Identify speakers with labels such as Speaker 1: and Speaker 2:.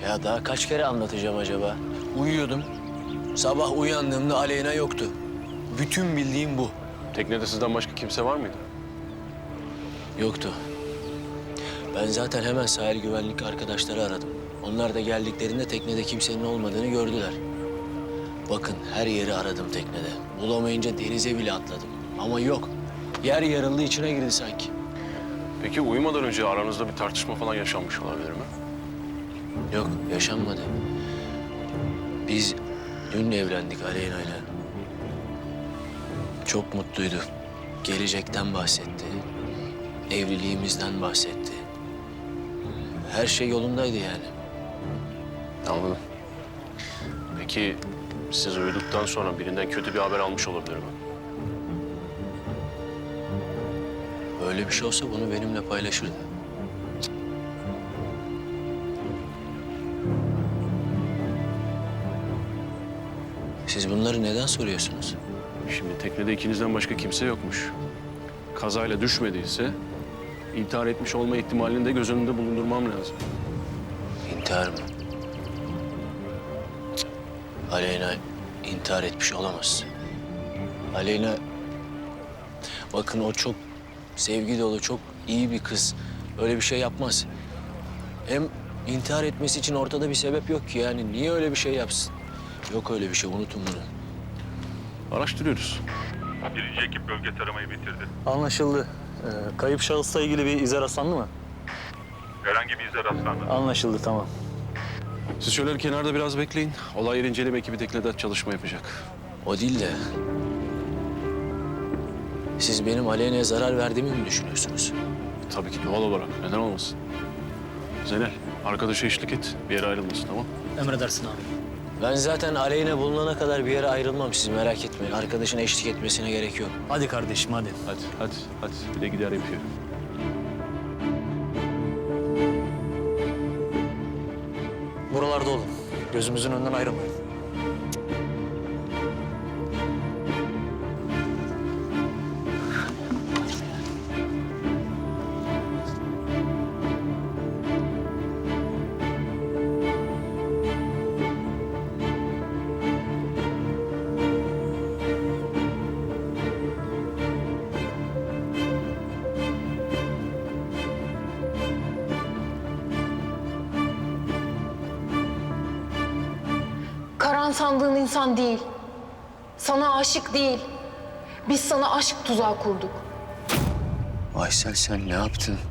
Speaker 1: Ya daha kaç kere anlatacağım acaba? Uyuyordum. Sabah uyandığımda Aleyna yoktu. Bütün bildiğim bu.
Speaker 2: Teknede sizden başka kimse var mıydı?
Speaker 1: Yoktu. Ben zaten hemen sahil güvenlik arkadaşları aradım. Onlar da geldiklerinde teknede kimsenin olmadığını gördüler. Bakın her yeri aradım teknede. Bulamayınca denize bile atladım. Ama yok. Yer yarıldı, içine girdi sanki.
Speaker 2: Peki uyumadan önce aranızda bir tartışma falan yaşanmış olabilir mi?
Speaker 1: Yok, yaşanmadı. Biz dün evlendik Aleyna'yla. Çok mutluydu. Gelecekten bahsetti. Evliliğimizden bahsetti. Her şey yolundaydı yani.
Speaker 2: Anladım. Peki siz uyuduktan sonra birinden kötü bir haber almış olabilir mi?
Speaker 1: Böyle bir şey olsa bunu benimle paylaşırdı. Siz bunları neden soruyorsunuz?
Speaker 2: Şimdi teknede ikinizden başka kimse yokmuş. Kazayla düşmediyse intihar etmiş olma ihtimalini de göz önünde bulundurmam lazım.
Speaker 1: İntihar mı? Cık. Aleyna intihar etmiş olamaz. Aleyna... Bakın o çok sevgi dolu, çok iyi bir kız. Öyle bir şey yapmaz. Hem intihar etmesi için ortada bir sebep yok ki yani. Niye öyle bir şey yapsın? Yok öyle bir şey, unutun bunu.
Speaker 2: Araştırıyoruz.
Speaker 3: Birinci ekip bölge taramayı bitirdi.
Speaker 4: Anlaşıldı. Kayıp şahısla ilgili bir ize rastlandı mı?
Speaker 3: Herhangi bir ize rastlanmadı.
Speaker 4: Anlaşıldı, tamam.
Speaker 2: Siz şöyle kenarda biraz bekleyin. Olay yeri inceleme ekibi teknede çalışma yapacak.
Speaker 1: O değil de... Siz benim Aleyna'ya zarar verdiğimi mi düşünüyorsunuz?
Speaker 2: Tabii ki doğal olarak. Neden olmasın? Zeynel, arkadaşa eşlik et. Bir yere ayrılmasın, tamam?
Speaker 4: Emredersin abi.
Speaker 1: Ben zaten Aleyna bulunana kadar bir yere ayrılmam, siz merak etmeyin. Arkadaşın eşlik etmesine gerek yok.
Speaker 4: Hadi kardeşim, hadi.
Speaker 2: Hadi. Bir de gider yapıyor.
Speaker 4: Buralarda olun. Gözümüzün önünden ayrılmayın.
Speaker 5: Karan sandığın insan değil. Sana aşık değil. Biz sana aşk tuzağı kurduk.
Speaker 1: Aysel sen ne yaptın?